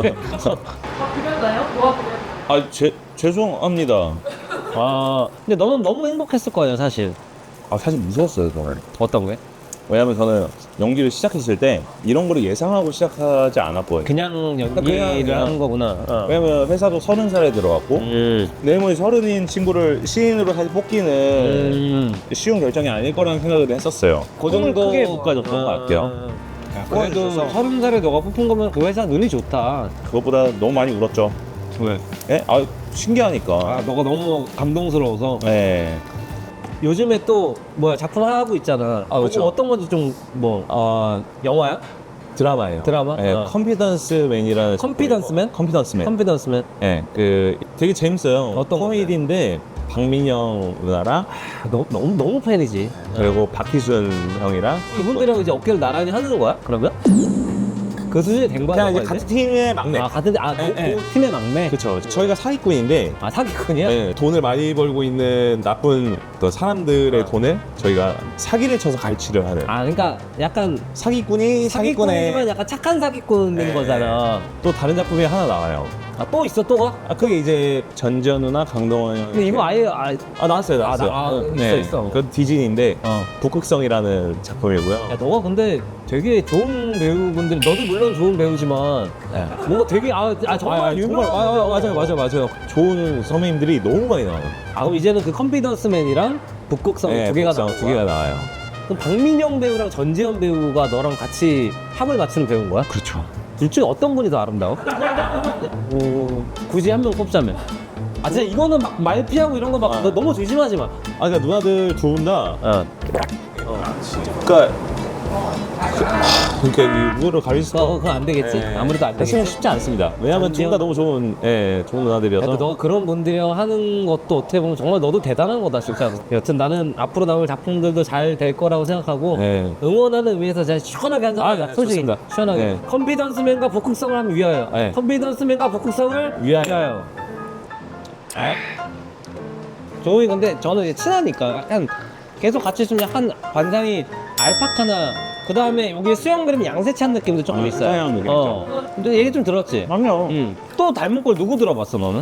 [SPEAKER 2] 그렸나요? 뭐가 그렸나요?
[SPEAKER 3] 아, 제, 죄송합니다.
[SPEAKER 1] 아 근데 너는 너무 행복했을 거예요 사실.
[SPEAKER 3] 아, 사실 무서웠어요, 저는.
[SPEAKER 1] 어떤 게?
[SPEAKER 3] 왜냐면 저는 연기를 시작했을 때 이런 거를 예상하고 시작하지 않았거든요.
[SPEAKER 1] 그냥 연기를
[SPEAKER 3] 그냥, 그냥.
[SPEAKER 1] 하는 거구나. 어.
[SPEAKER 3] 왜냐면 회사도 서른 살에 들어갔고
[SPEAKER 1] 음.
[SPEAKER 3] 내모이 서른인 친구를 시인으로 사실 뽑기는
[SPEAKER 1] 음.
[SPEAKER 3] 쉬운 결정이 아닐 거라는 생각을 했었어요.
[SPEAKER 1] 그 정도
[SPEAKER 3] 크게 못 가졌던 것 같아요.
[SPEAKER 1] 그래도
[SPEAKER 3] 그래서
[SPEAKER 1] 서른 살에 너가 뽑힌 거면 그 회사 눈이 좋다.
[SPEAKER 3] 그것보다 너무 많이 울었죠.
[SPEAKER 1] 왜?
[SPEAKER 3] 예? 아, 신기하니까.
[SPEAKER 1] 아 너가 너무 감동스러워서.
[SPEAKER 3] 예.
[SPEAKER 1] 요즘에 또 뭐야 작품 하고 있잖아. 아
[SPEAKER 3] 그렇죠.
[SPEAKER 1] 어떤 건지 좀 뭐
[SPEAKER 3] 어,
[SPEAKER 1] 영화야?
[SPEAKER 3] 드라마예요.
[SPEAKER 1] 드라마?
[SPEAKER 3] 예,
[SPEAKER 1] 어.
[SPEAKER 3] 컴피던스맨이라는
[SPEAKER 1] 컴피던스맨?
[SPEAKER 3] 컴피던스맨.
[SPEAKER 1] 컨피던스맨.
[SPEAKER 3] 예, 그 되게 재밌어요.
[SPEAKER 1] 어떤
[SPEAKER 3] 코미디인데 박민영 누나랑
[SPEAKER 1] 아, 너, 너무 너무 팬이지.
[SPEAKER 3] 그리고 박희순 형이랑
[SPEAKER 1] 그분들이랑 이제 어깨를 나란히 하는 거야? 그러면? 그 수준이 된 거야?
[SPEAKER 3] 그냥 이제
[SPEAKER 1] 너가
[SPEAKER 3] 같은 팀의 막내.
[SPEAKER 1] 아 같은 아
[SPEAKER 3] 예,
[SPEAKER 1] 그,
[SPEAKER 3] 예.
[SPEAKER 1] 그 팀의 막내.
[SPEAKER 3] 그렇죠. 저희가 사기꾼인데
[SPEAKER 1] 아 사기꾼이야?
[SPEAKER 3] 네, 돈을 많이 벌고 있는 나쁜 또 사람들의 돈을 저희가 사기를 쳐서 갈취를 하는
[SPEAKER 1] 아 그러니까 약간
[SPEAKER 3] 사기꾼이
[SPEAKER 1] 사기꾼이지만
[SPEAKER 3] 사기꾼의
[SPEAKER 1] 약간 착한 사기꾼인
[SPEAKER 3] 네.
[SPEAKER 1] 거잖아.
[SPEAKER 3] 또 다른 작품이 하나 나와요.
[SPEAKER 1] 아 또 있어 또가?
[SPEAKER 3] 아 그게 이제 전전우나 강동원 형.
[SPEAKER 1] 근데 이거 아예 아,
[SPEAKER 3] 아 나왔어요, 나왔어요.
[SPEAKER 1] 나- 아,
[SPEAKER 3] 어,
[SPEAKER 1] 있어, 있어.
[SPEAKER 3] 그 디즈니인데
[SPEAKER 1] 어.
[SPEAKER 3] 북극성이라는 작품이고요.
[SPEAKER 1] 야 너가 근데 되게 좋은 배우분들 너도 물론 좋은 배우지만
[SPEAKER 3] 네.
[SPEAKER 1] 뭔가 되게 아, 아 정말
[SPEAKER 3] 아, 아,
[SPEAKER 1] 유명한
[SPEAKER 3] 정말 아, 아, 맞아요, 맞아요, 맞아요. 좋은 선배님들이 너무 많이 나와요.
[SPEAKER 1] 아 그럼 이제는 그 컨피던스맨이랑 북극성
[SPEAKER 3] 네,
[SPEAKER 1] 두 개가
[SPEAKER 3] 북극성
[SPEAKER 1] 나온
[SPEAKER 3] 두 개가
[SPEAKER 1] 거야?
[SPEAKER 3] 나와요.
[SPEAKER 1] 그럼 박민영 배우랑 전지현 배우가 너랑 같이 합을 맞추는 배우인 거야?
[SPEAKER 3] 그렇죠.
[SPEAKER 1] 둘 중에 어떤 분이 더 아름다워? 어, 굳이 한 명 꼽자면 아 진짜 이거는 막 말 피하고 이런 거 막
[SPEAKER 3] 아.
[SPEAKER 1] 너무 조심하지 마.
[SPEAKER 3] 아 그러니까 누나들 두 분 다
[SPEAKER 1] 어.
[SPEAKER 3] 그러니까 그러니까 이거를 가릴 수가
[SPEAKER 1] 그거, 그거 안 되겠지?
[SPEAKER 3] 네.
[SPEAKER 1] 아무래도 안
[SPEAKER 3] 사실은
[SPEAKER 1] 되겠지?
[SPEAKER 3] 쉽지 않습니다. 왜냐하면 둘 다
[SPEAKER 1] 전지현-
[SPEAKER 3] 너무 좋은, 예, 좋은 누나들이어서.
[SPEAKER 1] 야, 너 그런 분들이랑 하는 것도 어떻게 보면 정말 너도 대단한 거다 진짜. 여튼 나는 앞으로 나올 작품들도 잘 될 거라고 생각하고
[SPEAKER 3] 네.
[SPEAKER 1] 응원하는 의미에서 제가 시원하게 한잔
[SPEAKER 3] 아,
[SPEAKER 1] 하자.
[SPEAKER 3] 네,
[SPEAKER 1] 솔직히
[SPEAKER 3] 좋습니다.
[SPEAKER 1] 시원하게.
[SPEAKER 3] 네.
[SPEAKER 1] 컨피던스맨과 북극성을 하면 위하여.
[SPEAKER 3] 네.
[SPEAKER 1] 컨피던스맨과 북극성을
[SPEAKER 3] 위하여.
[SPEAKER 1] 조이 근데 저는 이제 친하니까 약간 계속 같이 있으면 약간 관상이 알파카나 그 다음에 여기 수영 그림 양세찬 느낌도 조금
[SPEAKER 3] 아,
[SPEAKER 1] 있어요.
[SPEAKER 3] 서양 느낌
[SPEAKER 1] 어. 근데 얘기 좀 들었지?
[SPEAKER 3] 그럼요.
[SPEAKER 1] 응. 또 닮은 꼴 누구 들어봤어 너는?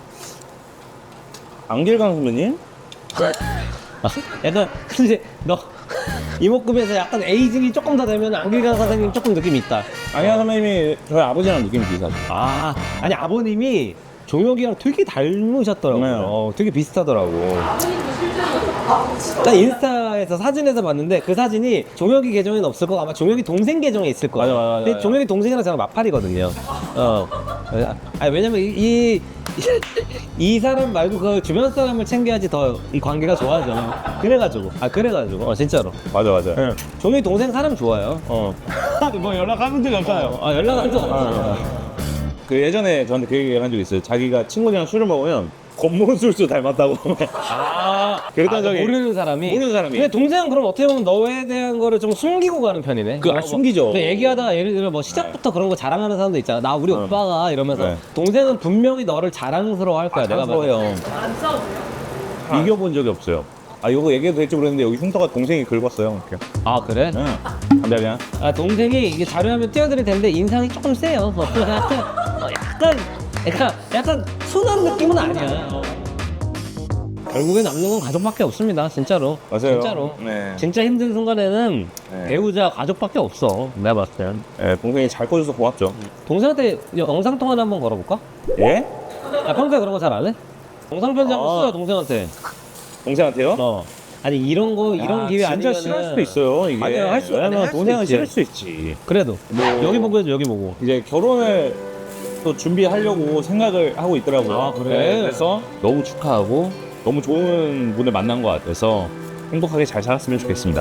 [SPEAKER 3] 안길강 선배님?
[SPEAKER 1] 아, 약간 근데 너 이목구비에서 약간 에이징이 조금 더 되면 안길강 선생님 조금 느낌이 있다.
[SPEAKER 3] 안길강 선배님이 저희 아버지랑 느낌이 비슷하죠.
[SPEAKER 1] 아 아니 아버님이 종혁이랑 되게 닮으셨더라고요.
[SPEAKER 3] 네.
[SPEAKER 1] 어, 되게 비슷하더라고.
[SPEAKER 2] 아버님도 실제로
[SPEAKER 1] 난 인스타에서 사진에서 봤는데 그 사진이 종혁이 계정에는 없을 거고 아마 종혁이 동생 계정에 있을 거야.
[SPEAKER 3] 맞아, 맞아, 맞아,
[SPEAKER 1] 근데
[SPEAKER 3] 맞아.
[SPEAKER 1] 종혁이 동생이랑 저랑 마팔이거든요. 어. 아니 왜냐면 이, 이, 이 사람 말고 그 주변 사람을 챙겨야지 더 이 관계가 좋아져. 그래가지고. 아 그래가지고. 어 진짜로.
[SPEAKER 3] 맞아, 맞아.
[SPEAKER 1] 예. 종혁이 동생 사람 좋아요.
[SPEAKER 3] 어. 뭐 연락하는 적이 없어요.
[SPEAKER 1] 아 연락 한 적 없어요.
[SPEAKER 3] 그 예전에 저한테 그 얘기 한 적이 있어요. 자기가 친구들이랑 술을 먹으면 겉모술수 닮았다고.
[SPEAKER 1] 아,
[SPEAKER 3] 그랬던
[SPEAKER 1] 아,
[SPEAKER 3] 적이
[SPEAKER 1] 모르는 사람이.
[SPEAKER 3] 모르는 사람이.
[SPEAKER 1] 근데 동생은 그럼 어떻게 보면 너에 대한 거를 좀 숨기고 가는 편이네.
[SPEAKER 3] 그, 아,
[SPEAKER 1] 뭐,
[SPEAKER 3] 숨기죠.
[SPEAKER 1] 그 얘기하다가 예를 들어 뭐 시작부터 그런 거 자랑하는 사람도 있잖아. 나 우리
[SPEAKER 3] 어.
[SPEAKER 1] 오빠가 이러면서
[SPEAKER 3] 네.
[SPEAKER 1] 동생은 분명히 너를 자랑스러워 할 거야. 내가 봤을 때.
[SPEAKER 3] 자랑스러워요.
[SPEAKER 2] 안 싸우세요?
[SPEAKER 3] 이겨본 적이 없어요. 아, 이거 얘기해도 될지 모르겠는데 여기 흉터가 동생이 긁었어요. 이렇게.
[SPEAKER 1] 아 그래?
[SPEAKER 3] 응. 안 돼, 그냥.
[SPEAKER 1] 아 동생이 이게 자료하면 띄워드릴 텐데 인상이 조금 세요. 어, 약간 어, 약간 약간 약간 순한 느낌은 아니야. 어. 결국에 남는 건 가족밖에 없습니다. 진짜로.
[SPEAKER 3] 맞아요.
[SPEAKER 1] 진짜로.
[SPEAKER 3] 네.
[SPEAKER 1] 진짜 힘든 순간에는
[SPEAKER 3] 네.
[SPEAKER 1] 배우자 가족밖에 없어. 내가 봤을 땐.
[SPEAKER 3] 예, 동생이 잘 커줘서 고맙죠.
[SPEAKER 1] 동생한테 영상 통화 한번 걸어볼까?
[SPEAKER 3] 예?
[SPEAKER 1] 아 평소에 그런 거 잘 안 해? 영상 편지 한번
[SPEAKER 3] 아.
[SPEAKER 1] 써요 동생한테.
[SPEAKER 3] 동생한테요?
[SPEAKER 1] 어. 아니 이런 거 이런
[SPEAKER 3] 야,
[SPEAKER 1] 기회
[SPEAKER 3] 진짜
[SPEAKER 1] 아니면
[SPEAKER 3] 싫어할 수도 있어요. 이게.
[SPEAKER 1] 아니요, 할 수- 아니,
[SPEAKER 3] 왜냐면
[SPEAKER 1] 할 수도
[SPEAKER 3] 동생은
[SPEAKER 1] 있지.
[SPEAKER 3] 싫을 수 있지.
[SPEAKER 1] 그래도
[SPEAKER 3] 뭐-
[SPEAKER 1] 여기 보고 해줘 여기 보고.
[SPEAKER 3] 이제 결혼을 또 준비하려고 생각을 하고 있더라고요.
[SPEAKER 1] 아, 그래?
[SPEAKER 3] 네, 그래서 너무 축하하고 너무 좋은 분을 만난 것 같아서 행복하게 잘 살았으면 좋겠습니다.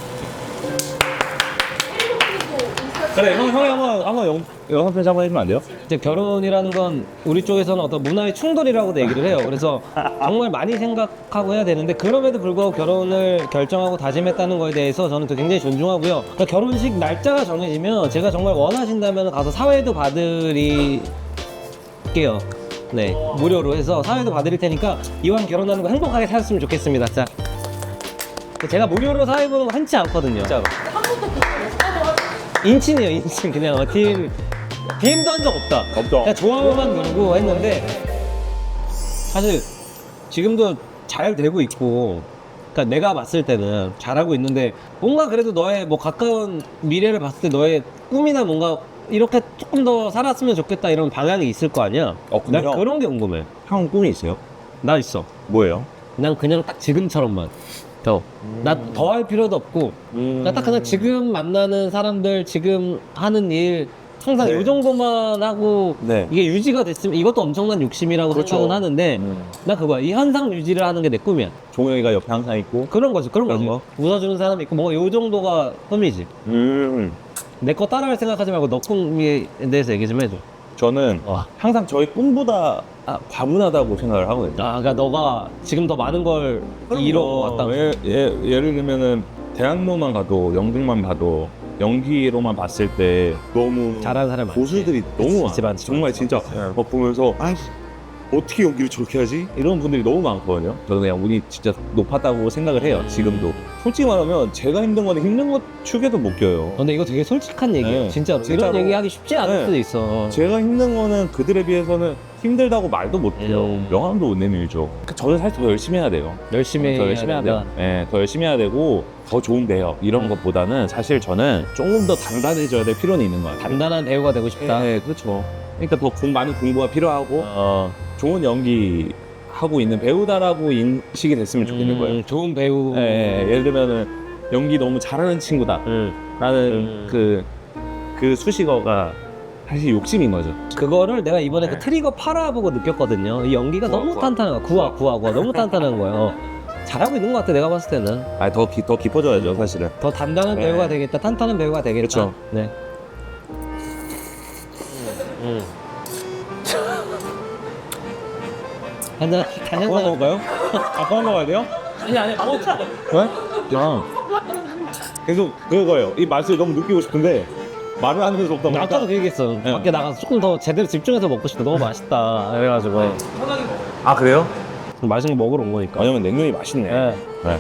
[SPEAKER 3] 그래, 형, 형이 한번, 한번 영, 영상 편지 한번 해주면 안 돼요?
[SPEAKER 1] 이제 결혼이라는 건 우리 쪽에서는 어떤 문화의 충돌이라고도 얘기를 해요. 그래서 정말 많이 생각하고 해야 되는데 그럼에도 불구하고 결혼을 결정하고 다짐했다는 거에 대해서 저는 또 굉장히 존중하고요. 그러니까 결혼식 날짜가 정해지면 제가 정말 원하신다면 가서 사회도 봐드릴게요. 네, 무료로 해서 사회도 봐드릴 테니까 이왕 결혼하는 거 행복하게 살았으면 좋겠습니다. 자, 제가 무료로 사회 보는 거 흔치 않거든요. 진짜로. 인친이에요, 인친. 그냥 어, 팀 디엠도 한 적 없다.
[SPEAKER 3] 없죠.
[SPEAKER 1] 그냥 좋아요만 누르고 했는데 사실 지금도 잘 되고 있고, 그러니까 내가 봤을 때는 잘하고 있는데 뭔가 그래도 너의 뭐 가까운 미래를 봤을 때 너의 꿈이나 뭔가 이렇게 조금 더 살았으면 좋겠다 이런 방향이 있을 거 아니야.
[SPEAKER 3] 어, 근데
[SPEAKER 1] 난
[SPEAKER 3] 형-
[SPEAKER 1] 그런 게 궁금해.
[SPEAKER 3] 형 꿈이 있어요?
[SPEAKER 1] 나 있어.
[SPEAKER 3] 뭐예요?
[SPEAKER 1] 난 그냥 딱 지금처럼만 더. 나 더 할 필요도 없고 나 딱 그냥 지금 만나는 사람들 지금 하는 일 항상
[SPEAKER 3] 네.
[SPEAKER 1] 이 정도만 하고
[SPEAKER 3] 네.
[SPEAKER 1] 이게 유지가 됐으면 이것도 엄청난 욕심이라고
[SPEAKER 3] 그렇죠.
[SPEAKER 1] 생각은 하는데
[SPEAKER 3] 음.
[SPEAKER 1] 나 그거야. 이 현상 유지를 하는 게 내 꿈이야.
[SPEAKER 3] 종영이가 옆에 항상 있고.
[SPEAKER 1] 그런 거지. 그런
[SPEAKER 3] 그런
[SPEAKER 1] 거지. 웃어주는 사람이 있고 뭐 요 정도가 꿈이지.
[SPEAKER 3] 음.
[SPEAKER 1] 내 거 따라할 생각하지 말고 너 꿈에 대해서 얘기 좀 해줘.
[SPEAKER 3] 저는
[SPEAKER 1] 와.
[SPEAKER 3] 항상 저희 꿈보다 아, 과분하다고 생각을 하거든요.
[SPEAKER 1] 아, 그러니까 너가 지금 더 많은 걸 이뤄왔다.
[SPEAKER 3] 예, 예, 예를 들면은 대학로만 가도 연극만 봐도 연기로만 봤을 때 너무
[SPEAKER 1] 잘하는 사람 많지.
[SPEAKER 3] 고수들이 너무
[SPEAKER 1] 있지,
[SPEAKER 3] 많아.
[SPEAKER 1] 많지,
[SPEAKER 3] 정말
[SPEAKER 1] 많지.
[SPEAKER 3] 진짜 막 보면서 아 어떻게 연기를 저렇게 하지? 이런 분들이 너무 많거든요. 저는 그냥 운이 진짜 높았다고 생각을 해요. 지금도. 솔직히 말하면 제가 힘든 거는 힘든 것 축에도 못 껴요.
[SPEAKER 1] 근데 이거 되게 솔직한 얘기예요.
[SPEAKER 3] 네.
[SPEAKER 1] 진짜로.
[SPEAKER 3] 진짜로.
[SPEAKER 1] 이런 얘기하기 쉽지 않을
[SPEAKER 3] 네.
[SPEAKER 1] 수도 있어.
[SPEAKER 3] 제가 힘든 거는 그들에 비해서는 힘들다고 말도 못해요.
[SPEAKER 1] 음.
[SPEAKER 3] 명함도 못 내밀죠. 그러니까 저는 사실 더 열심히 해야 돼요.
[SPEAKER 1] 열심히
[SPEAKER 3] 더 열심히 해야 돼요. 네, 더 열심히 해야 되고 더 좋은 배역 이런 것보다는 사실 저는 조금 더 단단해져야 될 필요는 있는 것 같아요.
[SPEAKER 1] 단단한 배우가 되고 싶다.
[SPEAKER 3] 네, 그렇죠. 그러니까 더 공, 많은 공부가 필요하고
[SPEAKER 1] 어,
[SPEAKER 3] 좋은 연기 하고 있는 배우다라고 인식이 됐으면 좋겠는
[SPEAKER 1] 음,
[SPEAKER 3] 거예요.
[SPEAKER 1] 좋은 배우.
[SPEAKER 3] 네, 예를 들면은 연기 너무 잘하는 친구다라는
[SPEAKER 1] 음.
[SPEAKER 3] 그, 그 수식어가 사실 욕심인 거죠.
[SPEAKER 1] 그거를 내가 이번에
[SPEAKER 3] 네.
[SPEAKER 1] 그 트리거 팔아보고 느꼈거든요. 이 연기가
[SPEAKER 3] 구화,
[SPEAKER 1] 너무
[SPEAKER 3] 구화.
[SPEAKER 1] 탄탄한 거야. 구화, 구화, 구화. 너무 탄탄한 거예요. 잘하고 있는 것 같아, 내가 봤을 때는.
[SPEAKER 3] 아, 더, 기, 더 깊어져야죠, 사실은.
[SPEAKER 1] 더 단단한
[SPEAKER 3] 네.
[SPEAKER 1] 배우가 되겠다, 탄탄한 배우가 되겠다.
[SPEAKER 3] 그렇죠.
[SPEAKER 1] 네. 음. 한잔, 한잔.
[SPEAKER 3] 아까 먹을까요? 아까 먹어야 돼요?
[SPEAKER 1] 아니, 아니, 먹어.
[SPEAKER 3] 왜? 야. 계속 그거예요. 이 맛을 너무 느끼고 싶은데 말을 하면서 먹다 보니까
[SPEAKER 1] 아까도 그 얘기했어.
[SPEAKER 3] 네.
[SPEAKER 1] 밖에 나가서 조금 더 제대로 집중해서 먹고 싶다. 너무 맛있다. 그래가지고.
[SPEAKER 3] 아 그래요?
[SPEAKER 1] 맛있는 거 먹으러 온 거니까.
[SPEAKER 3] 왜냐면 냉면이 맛있네.
[SPEAKER 1] 네.
[SPEAKER 3] 네.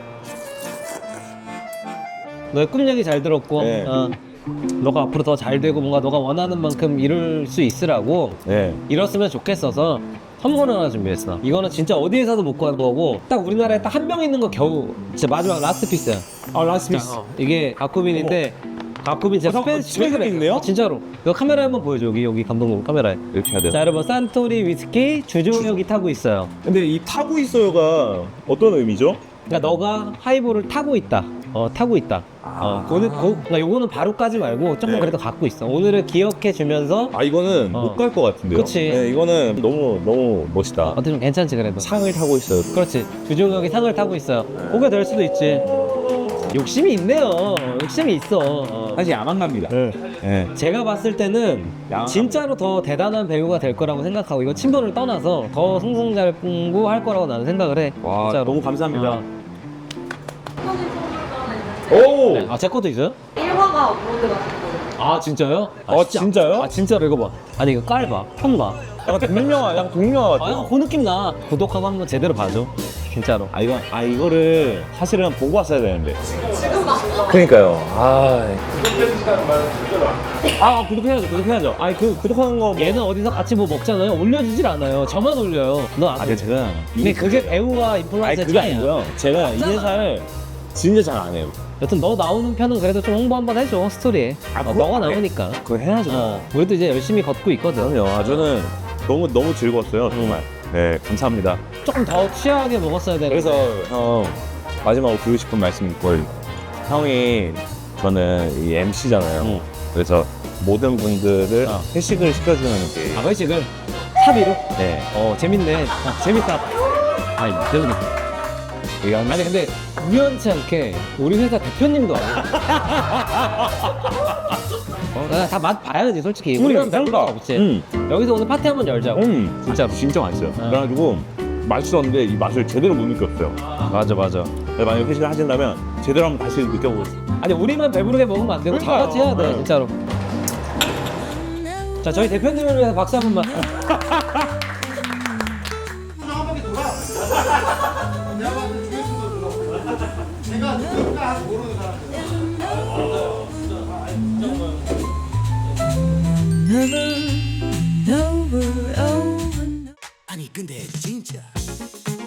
[SPEAKER 1] 너의 꿈 얘기 잘 들었고,
[SPEAKER 3] 네.
[SPEAKER 1] 어, 너가 앞으로 더 잘 되고 뭔가 너가 원하는 만큼 이룰 수 있으라고
[SPEAKER 3] 네.
[SPEAKER 1] 이뤘으면 좋겠어서 선물을 하나 준비했어. 이거는 진짜 어디에서도 못 구한 거고 딱 우리나라에 딱 한 명 있는 거 겨우 진짜 마지막 라스트 피스야.
[SPEAKER 3] 아 라스트 피스.
[SPEAKER 1] 어, 이게 가쿠빈인데 가쿠빈 진짜
[SPEAKER 3] 어,
[SPEAKER 1] 스페,
[SPEAKER 3] 집에
[SPEAKER 1] 스페셜
[SPEAKER 3] 있네요?
[SPEAKER 1] 어, 진짜로. 이거 카메라에 한번 보여줘. 여기 여기 감독님 카메라에.
[SPEAKER 3] 이렇게 해야 돼요.
[SPEAKER 1] 자 여러분 산토리 위스키 주종력이 타고 있어요.
[SPEAKER 3] 근데 이 타고 있어요가 어떤 의미죠?
[SPEAKER 1] 그러니까 너가 하이볼을 타고 있다. 어 타고 있다. 어 오늘 고, 그러니까 요거는 바로 까지 말고 조금
[SPEAKER 3] 네.
[SPEAKER 1] 그래도 갖고 있어. 오늘을 기억해 주면서
[SPEAKER 3] 아 이거는
[SPEAKER 1] 어.
[SPEAKER 3] 못 갈 것 같은데요.
[SPEAKER 1] 그치.
[SPEAKER 3] 네, 이거는 너무 너무 멋있다.
[SPEAKER 1] 어떻게 좀 괜찮지 그래도.
[SPEAKER 3] 상을 타고 있어요.
[SPEAKER 1] 그렇지. 주종력이 상을 타고 있어요. 그게 될 수도 있지. 욕심이 있네요. 욕심이 있어. 어.
[SPEAKER 3] 사실 야망갑니다.
[SPEAKER 1] 네.
[SPEAKER 3] 네.
[SPEAKER 1] 제가 봤을 때는
[SPEAKER 3] 양아합니다.
[SPEAKER 1] 진짜로 더 대단한 배우가 될 거라고 생각하고 이거 친분을 떠나서 더 승승장구할 거라고 나는 생각을 해.
[SPEAKER 3] 와
[SPEAKER 1] 진짜로.
[SPEAKER 3] 너무 감사합니다.
[SPEAKER 1] 어.
[SPEAKER 3] 오.
[SPEAKER 1] 아, 제 것도 있어요?
[SPEAKER 2] 일 화가 업로드 같은 거.
[SPEAKER 1] 아, 진짜요? 아,
[SPEAKER 3] 어, 진짜요?
[SPEAKER 1] 아, 진짜로 이거 봐. 아니, 이거 깔 봐. 편 봐.
[SPEAKER 3] 약간 동명영화, 약간 동명영화
[SPEAKER 1] 아,
[SPEAKER 3] 같아요.
[SPEAKER 1] 약간 그 느낌 나. 구독하고 한번 제대로 봐줘. 진짜로.
[SPEAKER 3] 아 이거 아 이거를 사실은 보고 왔어야 되는데. 그러니까요. 아. 아 구독해야죠, 구독해야죠. 아니 그 구독하는 거. 뭐...
[SPEAKER 1] 얘는 어디서 같이 뭐 먹잖아요. 올려주질 않아요. 저만 올려요. 넌 안
[SPEAKER 3] 아,
[SPEAKER 1] 돼.
[SPEAKER 3] 근데 제가
[SPEAKER 1] 근데 그게 배우와
[SPEAKER 3] 아니
[SPEAKER 1] 인플루언서의
[SPEAKER 3] 그게
[SPEAKER 1] 차이야.
[SPEAKER 3] 아니고요. 제가 이 회사를 진짜 잘 안 해요.
[SPEAKER 1] 여튼 너 나오는 편은 그래도 좀 홍보 한번 해줘. 스토리에.
[SPEAKER 3] 아,
[SPEAKER 1] 어,
[SPEAKER 3] 그거
[SPEAKER 1] 너가
[SPEAKER 3] 안 해.
[SPEAKER 1] 나오니까.
[SPEAKER 3] 그거 해야죠.
[SPEAKER 1] 어, 우리도 이제 열심히 걷고 있거든.
[SPEAKER 3] 그럼요. 아, 저는 너무 너무 즐거웠어요. 정말. 네, 감사합니다.
[SPEAKER 1] 조금 더 취하게 먹었어야 되는데.
[SPEAKER 3] 그래서 형 마지막으로 드리고 싶은 말씀이 있고, 형이 저는 이 엠씨잖아요.
[SPEAKER 1] 응.
[SPEAKER 3] 그래서 모든 분들을
[SPEAKER 1] 어.
[SPEAKER 3] 회식을 시켜주는 게.
[SPEAKER 1] 아, 그렇지. 그 사비로?
[SPEAKER 3] 네.
[SPEAKER 1] 어, 재밌네. 아, 재밌다. 아니 때문에 아니 근데 우연치 않게 우리 회사 대표님도 아니고 어, 다 맛 봐야지 솔직히 우리는 별 거 없지.
[SPEAKER 3] 음.
[SPEAKER 1] 여기서 오늘 파티 한번 열자고.
[SPEAKER 3] 음.
[SPEAKER 1] 진짜로.
[SPEAKER 3] 진짜 맛있어요.
[SPEAKER 1] 어.
[SPEAKER 3] 그래가지고 맛있었는데 이 맛을 제대로 못 느꼈어요.
[SPEAKER 1] 맞아 맞아.
[SPEAKER 3] 만약에 회식을 하신다면 제대로 한번 다시 느껴보고 싶어요.
[SPEAKER 1] 아니 우리만 배부르게 먹으면 안 되고 다
[SPEAKER 3] 그러니까요.
[SPEAKER 1] 같이 해야 돼
[SPEAKER 3] 네.
[SPEAKER 1] 진짜로. 자 저희 대표님을 위해서 박수 한 번만.
[SPEAKER 5] 아니 근데 진짜